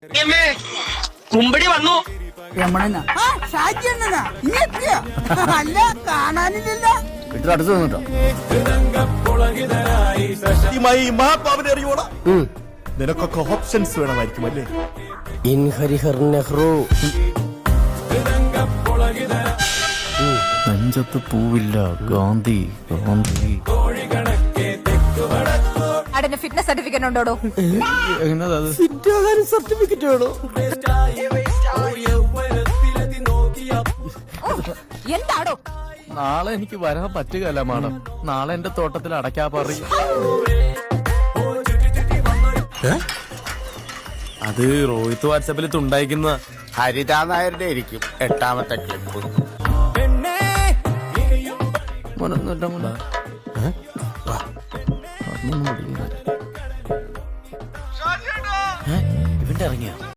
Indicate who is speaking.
Speaker 1: കുമ്പടി വന്നു.
Speaker 2: രമണനാ ഷാജി അണ്ണനാ ഇനി എത്തിയ അല്ല കാണാനില്ലല്ലോ.
Speaker 3: അടുത്ത് വന്നിട്ടോ
Speaker 4: അറിയോടാ നിനക്കൊക്കെ ഓപ്ഷൻസ് വേണമായിരിക്കും അല്ലേ?
Speaker 3: ഇൻ ഹരിഹർ നെഹ്റു നെഞ്ചത്ത് പൂവില്ല ഗാന്ധി ഗാന്ധി
Speaker 5: ഫിറ്റ്നസ് സർട്ടിഫിക്കറ്റ് ഉണ്ടോടോ?
Speaker 3: സർട്ടിഫിക്കറ്റ് വേണോ?
Speaker 5: എന്താടോ?
Speaker 3: നാളെ എനിക്ക് വരാൻ പറ്റുകയല്ല മാഡം. നാളെ എന്റെ തോട്ടത്തിൽ അടയ്ക്കാ പറയും.
Speaker 4: അത് റോഹിത് വാട്സാപ്പിൽ തുണ്ടായിരിക്കുന്ന
Speaker 6: ഹരിതാ നായരുടെ ആയിരിക്കും 8ാമത്തെ ക്ലിപ്പ്.
Speaker 3: ഇവന്റെ ഇറങ്ങിയ